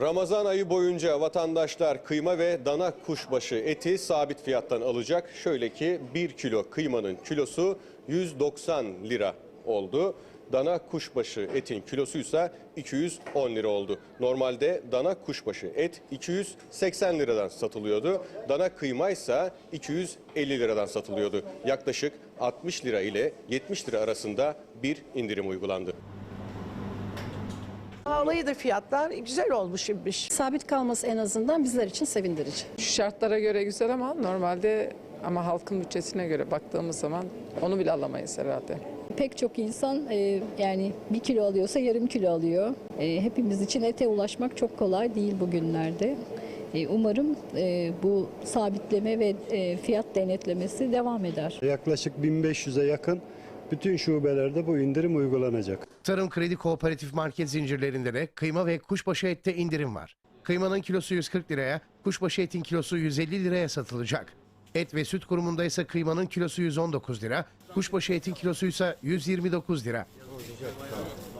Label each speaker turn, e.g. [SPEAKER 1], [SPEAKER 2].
[SPEAKER 1] Ramazan ayı boyunca vatandaşlar kıyma ve dana kuşbaşı eti sabit fiyattan alacak. Şöyle ki 1 kilo kıymanın kilosu 190 lira oldu. Dana kuşbaşı etin kilosu ise 210 lira oldu. Normalde dana kuşbaşı et 280 liradan satılıyordu. Dana kıyma ise 250 liradan satılıyordu. Yaklaşık 60 lira ile 70 lira arasında bir indirim uygulandı.
[SPEAKER 2] Vallahi da fiyatlar güzel olmuş şimdi.
[SPEAKER 3] Sabit kalması en azından bizler için sevindirici.
[SPEAKER 4] Şu şartlara göre güzel ama normalde halkın bütçesine göre baktığımız zaman onu bile alamayız herhalde.
[SPEAKER 5] Pek çok insan yani 1 kilo alıyorsa yarım kilo alıyor. Hepimiz için ete ulaşmak çok kolay değil bugünlerde. Umarım bu sabitleme ve fiyat denetlemesi devam eder.
[SPEAKER 6] Yaklaşık 1500'e yakın bütün şubelerde bu indirim uygulanacak.
[SPEAKER 7] Tarım Kredi Kooperatif market zincirlerinde de kıyma ve kuşbaşı ette indirim var. Kıymanın kilosu 140 liraya, kuşbaşı etin kilosu 150 liraya satılacak. Et ve Süt Kurumu'nda ise kıymanın kilosu 119 lira, kuşbaşı etin kilosu ise 129 lira.